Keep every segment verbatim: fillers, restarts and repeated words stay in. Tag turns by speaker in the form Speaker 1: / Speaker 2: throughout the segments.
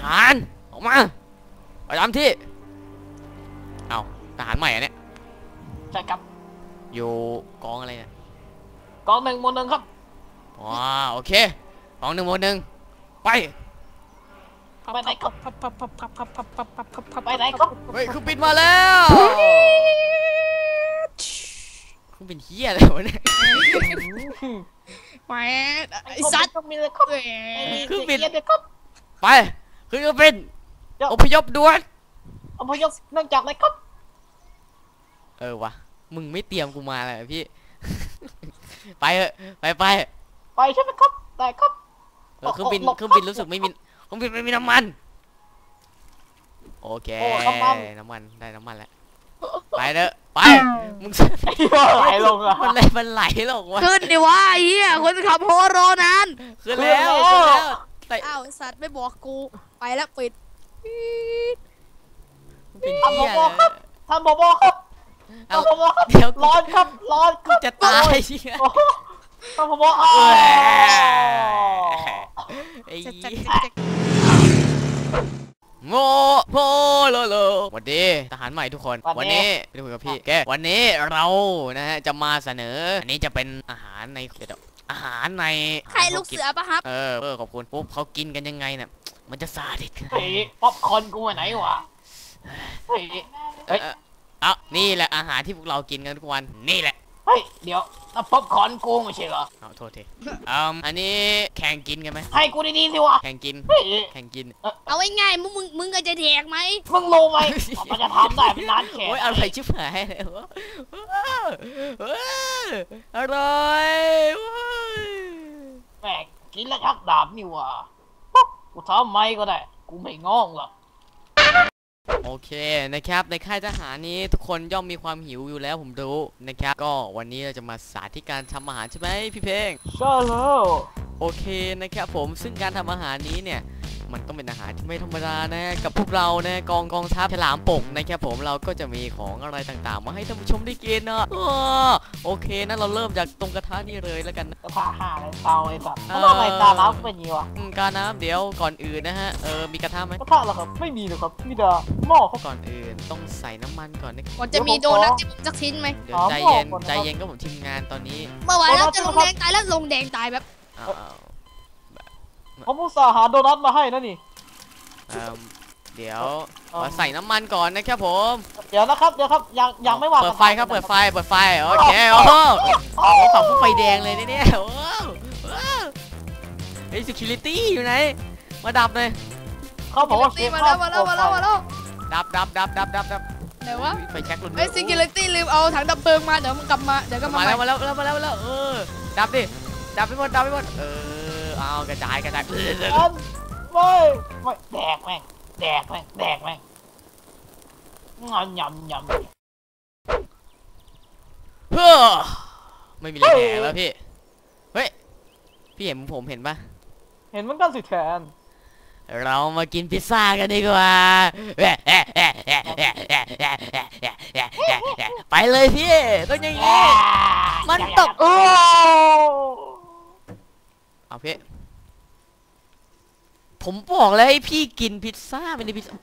Speaker 1: ารออกมาไปตามที่เอาทหารใหม่อะเนี่ย
Speaker 2: ใช่ครับ
Speaker 1: อยู่กองอะไรเนี่ย
Speaker 2: กองหนึ่งหมวดหนึ่งครับ
Speaker 1: ว้าโอเคกองหนึ่งหมวดหนึ่งไป
Speaker 2: ไปไหนครับไปไหนครับ
Speaker 1: เฮ้ยคือปิดมาแล้วคือเป็นเฮียอะไรวะเนี่ย
Speaker 3: แหมไอ้สัตว์
Speaker 2: มีเลยครับ
Speaker 1: คือปิดไปคือเป็นอพยพด่วน
Speaker 2: อพยพเนื่องจากอะไรครับ
Speaker 1: เออวะมึงไม่เตรียมกูมาเลยพี่ไปเถอะไปไป
Speaker 2: ไปใช่ไหมครับได้ครับ
Speaker 1: เครื่องบินเครื่องบินรู้สึกไม่มีเครื่องบินไม่มีน้ำมันโอเคน้ำมันได้น้ำมันแล้วไปเถอะไปมึง
Speaker 2: ไหลลงอะ
Speaker 1: มันไหลมันไหลลงวะ
Speaker 3: ขึ้นดิวะไอ้เหี้ยคนขับโฮโรนาน
Speaker 1: ขึ้นแล้วขึ้นแล้ว
Speaker 3: อ้าวสัตว์ไม่บอกกูไปแล้วปิด
Speaker 2: ทำบอบครับทำบอบครับทำบอบครับร้อนครับร้อน
Speaker 1: กูจะตาย
Speaker 2: ทำบอบ
Speaker 1: ไอ้โมโมโลโลสวัสดีทหารใหม่ทุกคนวันนี้ไปคุยกับพี่แกวันนี้เรานะฮะจะมาเสนออันนี้จะเป็นอาหารในอาหารใน
Speaker 3: ใครลูกเสือปะครับ
Speaker 1: เออเออขอบคุณปุ๊บเขากินกันยังไงเนี่ยมันจะซาดิส
Speaker 2: เฮ้ยป๊อปคอร์นกูไปไหนวะเฮ้ย
Speaker 1: เอ้ยอ่ะนี่แหละอาหารที่พวกเรากินกันทุกวันนี่แหละ
Speaker 2: เฮ้ยเดี๋ยวป๊อปคอร์นกูไม่ใช่เหรอ
Speaker 1: เอาโทษทีอืมอันนี้แข่งกินกันไหม
Speaker 2: ให้กูดีๆสิวะ
Speaker 1: แข่งกินแข่งกิน
Speaker 3: เอาง่ายๆมึงมึงมึงก็จะแดกไหม
Speaker 2: มึงรู้ไหมมันจะทำได้เป็นร้านแขก
Speaker 1: โอ้ยอะไรชิบหายเลยวะอร่อย
Speaker 2: แม่กินแล้วชักดาบนี่วะกูทำไม่ก็ได้กูไม่งองหรอก
Speaker 1: โอเคนะครับในค่ายทหารนี้ทุกคนย่อมมีความหิวอยู่แล้วผมรู้นะครับก็วันนี้เราจะมาสาธิตการทำอาหารใช่ไหมพี่เพลง
Speaker 2: ใช่แล้ว
Speaker 1: โอเคนะครับผมซึ่งการทำอาหารนี้เนี่ยมันต้องเป็นอาหารที่ไม่ธรรมดานะกับพวกเรานะกองกองทัพฉลามปกนะครับผมเราก็จะมีของอะไรต่างๆมาให้ท่านผู้ชมได้กินนะโอเคนะเราเริ่มจากตรงกระทะนี่เลยแล้วกัน
Speaker 2: กระทะห่าเลยเตาไอ้สัตว์ทำไมตาล้ำเป็นยี่วะ
Speaker 1: กาน้ำเดี๋ยวก่อนอื่นนะฮะเออมีกระทะไหม
Speaker 2: กระทะเหรอครับไม่มีหรอกครับมีแต่หม้อ
Speaker 1: ก่อนอื่นต้องใส่น้ำมันก่อนนะ
Speaker 3: ก่อนจะมีโดนัทที่ผมสักชิ้นไหม
Speaker 1: เดี๋ยวใจเย็นใจเย็นก็ผมทีมงานตอนนี้
Speaker 3: เมื่อวานเราจะลงแดงตายแล้วลงแดงตายแบบ
Speaker 2: ผมอุตส่าห์หาโดนัทมาให้นะนี่
Speaker 1: เดี๋ยวใส่น้ำมันก่อนนะครับผม
Speaker 2: เดี๋ยวนะครับเดี๋ยวครับยังยังไม่วาง
Speaker 1: เปิดไฟครับเปิดไฟเปิดไฟโอเคโอ้โหฝั่งผู้ไฟแดงเลยเนี่ยโอ้ไอ้ security อยู่ไหนมาดับเลย
Speaker 2: เขาบอกว่า
Speaker 3: มาแล้วมาแล้วมาแล้วมาแล้ว
Speaker 1: ดับดับดับดับดับดับ
Speaker 3: เดี๋ยววะ
Speaker 1: ไฟแช็กลุน
Speaker 3: ไอ้ security ลืมเอาถังดับเพลิงมาเดี๋ยวมันกลับมาเดี๋ยวก็
Speaker 1: มาแล้วมาแล้วมาแล้วมาแล้วเออดับดิดับไปหมดดับไปหมดเออเอากระจายกระจาย
Speaker 2: ไม่ไม่แดกแม่งแดกแม่งแดกแม่งงอนยำยำ
Speaker 1: เฮ้อไม่มีอะไรแดกแล้วพี่เฮ้ยพี่เห็นผมเห็นปะ
Speaker 2: เห็นมันกันสิแทน
Speaker 1: เรามากินพิซซ่ากันดีกว่าไปเลยพี่ต้องอย่างนี้มันตกโอ้เอาพี่ผมบอกแล้วให้พี่กินพิซซ่าไม่ได้พิซซ่า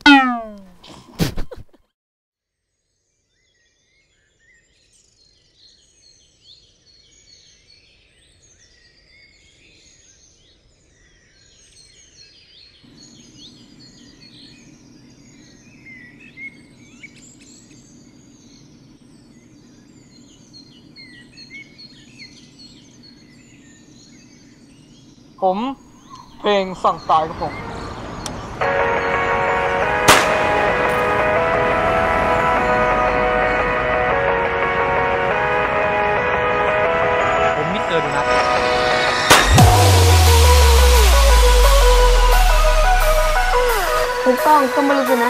Speaker 2: ผมเพลงสั่งตายครับผมผมมิสเตอร์ดูนะ
Speaker 4: ถูกต้องก็ไม่รู้สินะ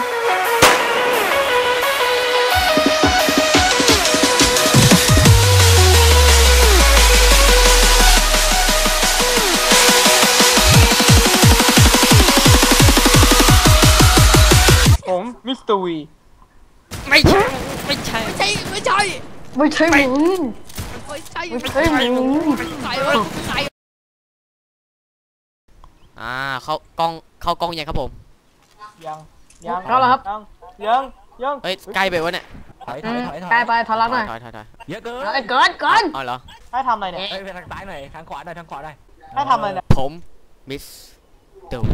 Speaker 2: มิสเตอร์วี
Speaker 1: ไม่ใช่ไม่ใช่
Speaker 3: ไม่ใช่ไม่ใช่
Speaker 4: ไม่ใช่มึง
Speaker 3: ไม่ใช่
Speaker 4: ไม่ใช่มึง
Speaker 3: ใส่ไว้ใส่
Speaker 1: อ่าเข้ากล้องเข้ากล้องยังครับผม
Speaker 2: ยังยัง
Speaker 4: เข้าแล้วครับ
Speaker 2: ยังยังยัง
Speaker 1: เฮ้ยใกล้ไปวะเนี่ย
Speaker 5: ถอยถ
Speaker 4: อื
Speaker 5: อย
Speaker 4: ม
Speaker 5: ถอยถอย
Speaker 4: ใกล้ไปทอ
Speaker 1: ถ
Speaker 4: รั
Speaker 1: อก ย
Speaker 4: หน่อย
Speaker 1: ถอยถอยถอย
Speaker 5: เยอะเกิน
Speaker 4: เอ้ยเกินเกิน
Speaker 1: เอาเหรอ
Speaker 2: ให้ทำอะไรเนี่ย
Speaker 5: เอ้ยไปทางซ้ายหน่อยทางขวาหน่อยทางขวาหน่อย
Speaker 2: ให้ทำอะไรเนี่ย
Speaker 1: ผมมิสเตอร์วี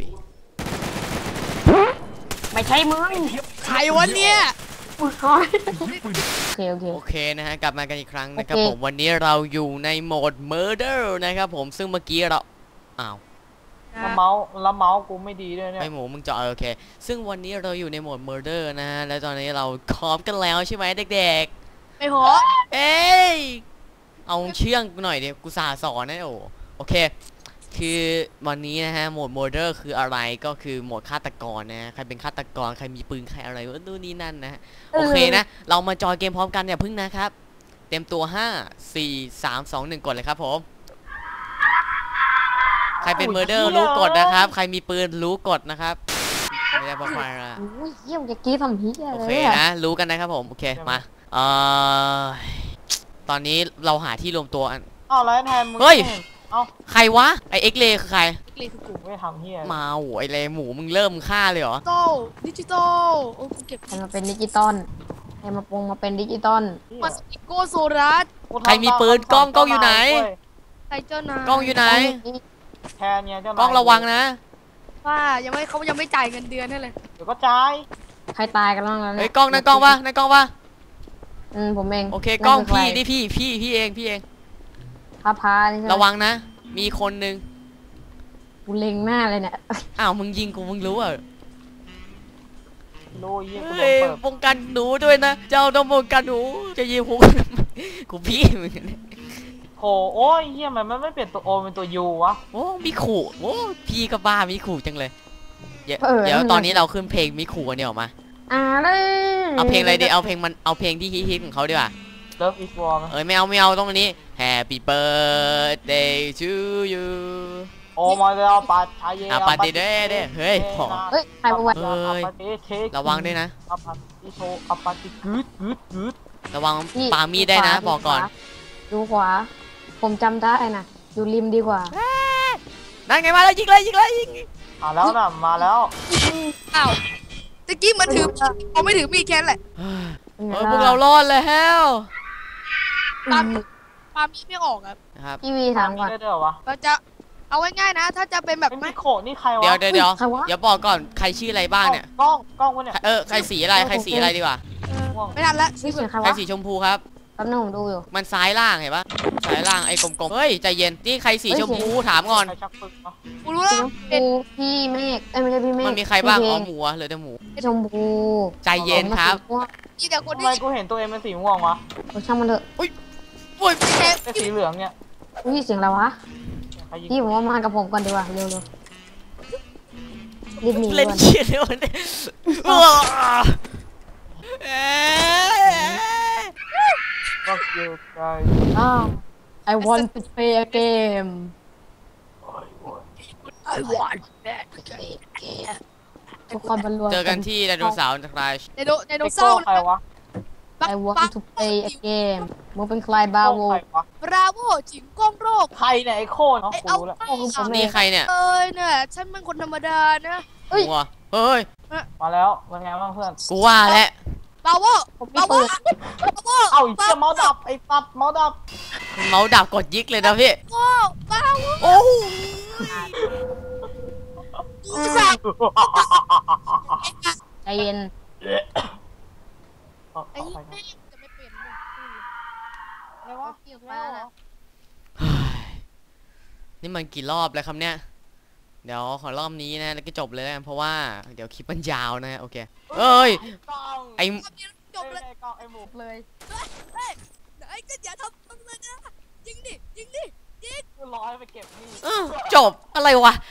Speaker 4: ไม่ใช่มึง
Speaker 3: ใครวะเนี่ย
Speaker 4: มึงคอยโอเคโอเค
Speaker 1: โอเคนะฮะกลับมากันอีกครั้งนะครับ
Speaker 4: โอเค
Speaker 1: ผมวันนี้เราอยู่ในโหมด Murder นะครับผมซึ่งเมื่อกี้เราอ้าว
Speaker 2: แล้วเมาส์แล้วเมาส์กูไม่ดีด้วยเนี่ย
Speaker 1: ไอหมูมึงจะโอเค ซึ่งวันนี้เราอยู่ในโหมด Murder นะฮะและตอนนี้เราพร้อมกันแล้วใช่ไหมเด็ก
Speaker 3: ไม่หอ
Speaker 1: ๆ เอ้ยเอาเชื่องหน่อยเดี๋ยวกูสาสอนนะโอ้โอเค คือวันนี้นะฮะโหมด Murder คืออะไรก็คือโหมดฆาตกรนะฮะใครเป็นฆาตกรใครมีปืนใครอะไรวะนู่นนี่นั่นนะฮะ โอเคนะ เรามาจอยเกมพร้อมกันอย่าพึ่งนะครับ เต็มตัวห้า สี่ สาม สอง หนึ่งกดเลยครับผม ใครเป็นเมอร์เดอร์รู้กดนะครับ ใครมีปืนรู้กดนะครับ ไม่ได้บอกใครละ
Speaker 4: โอ้ยเยี่ยมจะกี้ทำเฮีย
Speaker 1: โอ
Speaker 4: เล
Speaker 1: เค
Speaker 4: ยอะ
Speaker 1: นะ รู้กันนะครับผม โอเค มา เอ่อ ตอนนี้เราหาที่รวมตัวอัน
Speaker 2: อ้าวแล้วแทนมึง
Speaker 1: เฮ้ย
Speaker 2: ไม่ห็นเอ้า
Speaker 1: ใครวะ ไอเอ็กเลคือใคร
Speaker 3: เกลียดคือกู
Speaker 2: ไม่ทำเฮีย
Speaker 1: มาโหไอเลหมูมึงเริ่มฆ่าเลยเหรอ
Speaker 3: ดิจิตอลดิจิตอลโอ้กูเก็บ
Speaker 4: ให้มาเป็นดิจิตอลให้มาปรุงมาเป็นดิจิตอล
Speaker 3: มาสติโกโซรัส
Speaker 2: กูทำ
Speaker 1: ใครมีปืนกล้องกล้องอยู่ไหน
Speaker 2: เว้ย
Speaker 3: ใครเจ้านาย
Speaker 1: กล้องอยู่ไหน
Speaker 2: แทนเนี่ยเจ้านาย
Speaker 1: กล้องระวังนะ
Speaker 3: ว่ายังไม่เขายังไม่จ่ายเงินเดือนให้เลย
Speaker 2: เดี๋ยวก็จ่าย
Speaker 4: ใครตายกันบ้างแล้ว
Speaker 1: เฮ้
Speaker 4: เนี่ย
Speaker 1: ยกล้องนั่นกล้องปะนั่นกล้องปะ
Speaker 4: อืมผมเอง
Speaker 1: โอเคกล้อง
Speaker 4: นั่นคื
Speaker 1: พี่
Speaker 4: ใคร
Speaker 1: นี่พี่พี่พี่เองพี่เอง
Speaker 4: พาพานี่ใช่ไหม
Speaker 1: ระวังนะ มีคนหนึ่ง
Speaker 4: กูเล็งหน้าเลยเนี่ย
Speaker 1: อ้าวมึงยิงกูมึงรู้อ่ะ
Speaker 2: รู้เฮียกูโด
Speaker 1: เฮ้
Speaker 2: น
Speaker 1: ย
Speaker 2: เปิด
Speaker 1: ป้องกันหนูด้วยนะ เจ้าต้องป้องกันหนู จะยิงกู กูพี่มึงเนี่ย
Speaker 2: โถโอ้ยเฮียมันไม่เปลี่ยนตัวโอเป็นตัวยูวะ
Speaker 1: โอ้มีขู่โอ้พี่ก็บ้ามีขู่จังเลย เดี๋ยว
Speaker 4: เออ
Speaker 1: เดี๋ยว
Speaker 4: นั่นน่ะ
Speaker 1: ตอนนี้เราขึ้นเพลงมีขู่กันเดี๋ยวออกมา
Speaker 4: อ่าเลย
Speaker 1: เอาเพลงอะไรดีเอาเพลงมันเอาเพลงที่ฮิตๆของเขาดีกว่า
Speaker 2: Love is war ไหม
Speaker 1: เอ้ยไม่เอาไม่เอาต้องอันนี้ Happy birthday to you
Speaker 2: โอ้มาแล้วปัดชายเย
Speaker 1: อ่ะปาร์ตี้เด้เด้เฮ้ยพอ
Speaker 4: เฮ้ยใครมาวัด
Speaker 1: เฮ้ย ระวังด้วยนะ
Speaker 2: อัปปาติโชอัปปาติกึดกึดกึด
Speaker 1: ระวัง
Speaker 4: พี่
Speaker 1: ปามีดได้นะ
Speaker 4: ดูขวา
Speaker 1: บอกก่อน
Speaker 4: ดูขวา ผมจำได้นะอยู่ริมดีกว่า
Speaker 1: นั่นไงมาแล้วยิงเลยยิงเลยยิง
Speaker 2: มาแล้วนะมาแล้ว
Speaker 3: อ้าวตะกี้มันถือเขาไม่ถือมีดแค่นั้นแหละ
Speaker 1: เออพวกเรารอดแล้ว
Speaker 3: ปาปามีดไม่ออกครับ
Speaker 1: นะครับ
Speaker 4: พี่วีถามก่อน
Speaker 2: ได้ด้วยเหรอวะ
Speaker 3: เราจะเอาง่ายๆนะ ถ้าจะเป็นแบบ
Speaker 2: ไอ้
Speaker 3: ไม่
Speaker 2: มิโคนี่ใครวะ
Speaker 1: เดี๋ยวเดี๋ยวเดี๋ยว
Speaker 4: ใครวะ
Speaker 1: เดี๋ยวบอกก่อนใครชื่ออะไรบ้างเนี่ย
Speaker 2: กล้องกล้องวะเนี่ย
Speaker 1: เออใครสีอะไรใครสีอะไรดีกว่า
Speaker 3: ไม่ทันละ
Speaker 4: นี่เสียงใคร
Speaker 1: ใคร
Speaker 4: วะ
Speaker 1: สีชมพูครับ
Speaker 4: แป๊บนึงผมดูอยู่
Speaker 1: มันซ้ายล่างเห็นปะซ้ายล่างไอ้กลมๆเฮ้ยใจเย็นนี่ใครสี
Speaker 4: เฮ้ย
Speaker 1: ชมพูถามก่อน
Speaker 2: ใครชักปืนวะ
Speaker 3: กูรู้
Speaker 4: สี
Speaker 3: แล้ว
Speaker 4: ชมพูพี่เมฆเอ้ยไม่ใช่พี่เมฆ
Speaker 1: มันมีใครบ้าง
Speaker 4: พี่
Speaker 1: อ๋อ
Speaker 4: เพล
Speaker 1: หมูอะเหลือแต่หมู
Speaker 4: ชมพู
Speaker 1: ใจเย็นครับ
Speaker 4: ผมมา
Speaker 3: มีแต่คน
Speaker 2: ทำ
Speaker 3: ที่
Speaker 2: ไมกูเห็นตัวเองเป็นสีม่วงวะ
Speaker 4: สีม่วงโอ้ช่างมันเถอะ
Speaker 1: โอ้ย
Speaker 3: แค่
Speaker 2: ไอ้สีเหลืองเนี่ย
Speaker 4: อุ้ยเสียงอะไรวะ
Speaker 2: ใครยิง
Speaker 4: พี่ผมว่ามากับผมก่อนดีกว่าเร็วๆรีบหนี
Speaker 1: เล่น
Speaker 4: ก่อน
Speaker 1: เชียร์เดี๋ยวนี้ว้าวเอ๊ะ
Speaker 2: ก็คือใคร
Speaker 4: อ้าว I want to play a game ทุกคนบรรลุ
Speaker 1: เจอกันที่ไดโนเสาร์จากราย
Speaker 3: ไดโนไดโน
Speaker 2: ไอ้
Speaker 3: เสา
Speaker 2: โก้
Speaker 3: ร์
Speaker 2: ใครวะ
Speaker 4: I want to play a game มึงเป็นใครบ้า
Speaker 2: โก้
Speaker 4: โว
Speaker 2: ใครวะ
Speaker 3: บราโวจิงก้องโรค
Speaker 2: ใครเนี่ยไอ้โค้เนาะ
Speaker 3: ไอ
Speaker 2: กู
Speaker 3: เอา
Speaker 2: รู้แล้ว
Speaker 4: โอ้โหผมเอ
Speaker 1: นี่
Speaker 4: ง
Speaker 1: ใครเนี่ย
Speaker 3: เอ้ยเนี่ยฉันเป็นคนธรรมดานะ
Speaker 4: เฮ้ย
Speaker 1: หัวเฮ้ย
Speaker 2: มาแล้วเป็นไงบ้างเพื่อน
Speaker 1: กูว่าแล้ว
Speaker 3: บราโว
Speaker 4: ผม
Speaker 3: บ
Speaker 4: มี
Speaker 3: ราโว
Speaker 4: ปืน
Speaker 3: บราโว
Speaker 2: เอ้าไอ้เหี้ยเมาส์ดับไอ้ปัดเมาส์ดับ
Speaker 1: เมาส์ดับกดยิกเลยนะพี่
Speaker 3: โอ้บราโว
Speaker 1: โอ้โห
Speaker 3: กูสั่ง
Speaker 4: ใจเย็น
Speaker 2: เอา
Speaker 3: ไอ้
Speaker 2: เอาไป
Speaker 3: แม่งจะไม่เปลี่ยนเลย
Speaker 2: อะไรวะ
Speaker 3: เกี่ยวไปแล้วนะ
Speaker 1: นี่มันกี่รอบแล้วครับเนี่ย เดี๋ยวขอรอบนี้นะแล้วก็จบเลยแล้วกันเพราะว่าเดี๋ยวคลิปมันยาวนะโอเคเอ้ย
Speaker 2: กล้อง
Speaker 1: ไอ้
Speaker 3: รอบนี้จบเลย
Speaker 2: ไอ้กล้องไอ้หมู
Speaker 4: เลย
Speaker 3: เฮ้ยไหนก็อย่าทำทำเลยนะยิงดิยิงดิยิง
Speaker 2: กูร้อยไปเก็บนี่
Speaker 1: เออจบอะไรวะ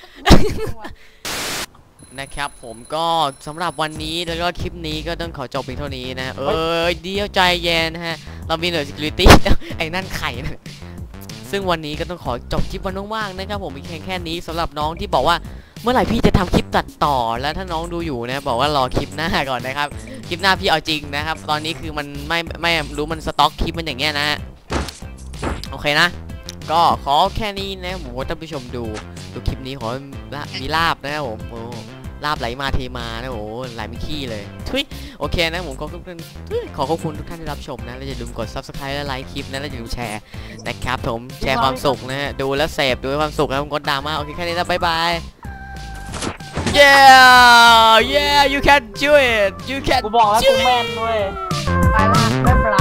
Speaker 1: นะครับผมก็สำหรับวันนี้แล้วก็คลิปนี้ก็ต้องขอจบเพียงเท่านี้นะเออเดียวใจเย็นนะฮะเรามีหน่วย security ไอ้นั่นไข่นะซึ่งวันนี้ก็ต้องขอจบคลิปวันว่างๆนะครับผมมีแค่แค่นี้สำหรับน้องที่บอกว่าเมื่อไหร่พี่จะทำคลิปตัดต่อแล้วถ้าน้องดูอยู่นะบอกว่ารอคลิปหน้าก่อนนะครับคลิปหน้าพี่เอาจริงนะครับตอนนี้คือมันไม่ไม่รู้มันสต็อกคลิปมันอย่างเงี้ยนะฮะโอเคนะก็ขอแค่นี้นะผมว่าท่านผู้ชมดูดูคลิปนี้ขอมีลาบนะครับผมโอ้ลาบไหลมาเทมานะโอ้ไหลไม่ขี้เลยทุยโอเคนะผมขอขอบคุณขอขอบคุณทุกท่านที่รับชมนะและอย่าลืมกด ซับสไครบ์ และไลค์คลิปนะและอย่าลืมแชร์นะครับผมแชร์ความสุขนะฮะดูแล้วเสพดูความสุขแล้วผมกดดราม่าโอเคแค่นี้นะบ๊ายบาย yeah yeah you can do it you can
Speaker 2: กูบอกแล้วกูแม่นเว้ย
Speaker 4: ไปละบ๊ายบาย